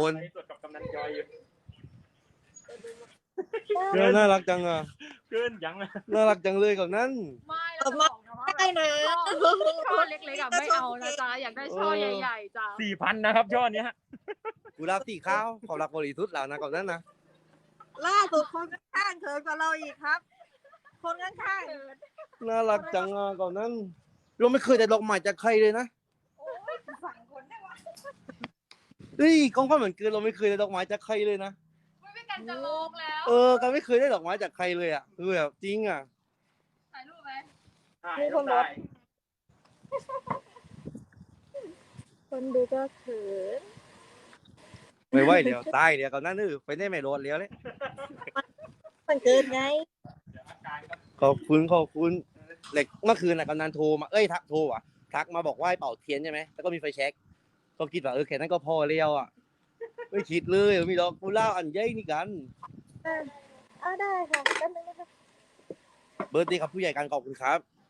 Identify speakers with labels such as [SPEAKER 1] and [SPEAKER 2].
[SPEAKER 1] คน
[SPEAKER 2] ในส่วนกับกำนันจอยอยู่
[SPEAKER 1] น่ารักจังอ่ะ
[SPEAKER 2] เกินยังนะ
[SPEAKER 1] น่ารักจังเลยกับนั้น
[SPEAKER 3] ไม่เราจะบอกนะว่า
[SPEAKER 4] ได้นะ
[SPEAKER 3] ช่อเล็กๆอะไม่เอานะจ๊ะอยากได้ช่อใหญ่ๆจ้ะ
[SPEAKER 2] 4,000นะครับช่อเนี้ย
[SPEAKER 1] กูรับสีข้าวเขารักบริสุทธิ์แล้วนะกับนั้นนะ
[SPEAKER 4] ล่าสุดคนข้างๆเขินกว่าเราอีกครับ คนข้าง
[SPEAKER 1] น่ารักจังอ่ะกับนั้นเราไม่เคยได้ดอกไม้จากใครเลยนะ
[SPEAKER 4] ๆโอ้ยสั่งคนได้วะ
[SPEAKER 1] เฮ้ยกองพันเหมือนเกินเราไม่เคยได้ดอกไม้จากใครเลยนะ
[SPEAKER 3] ไม่กันจะลงแล้ว
[SPEAKER 1] ก็ไม่เคยได้ดอกไม้จากใครเลยอ่ะคือแบบจริงอ่ะ
[SPEAKER 3] ถ่ายรูปไหม
[SPEAKER 4] มีคนรถ คนดูก็เขิน
[SPEAKER 1] ไม่ไหวเดี๋ยวตายเดี๋ยวกับนั้นไปได้ไม่รอดแล้วเลย
[SPEAKER 4] มันเกินไง
[SPEAKER 1] ขอบคุณเหล็กเมื่อคืนน่ะกำนันโทรมาโทรอ่ะทักมาบอกว่าให้เป่าเทียนใช่ไหมแล้วก็มีไฟแช็กก็คิดว่าแค่นั้นก็พอแล้วอ่ะไม่คิดเลยมีดอกกุหลาบอันใหญ่นี่กัน
[SPEAKER 4] เอาได้ค่ะแป๊บนึงนะคะ
[SPEAKER 1] เบิร์ดดีครับผู้ใหญ่การขอบคุณครับ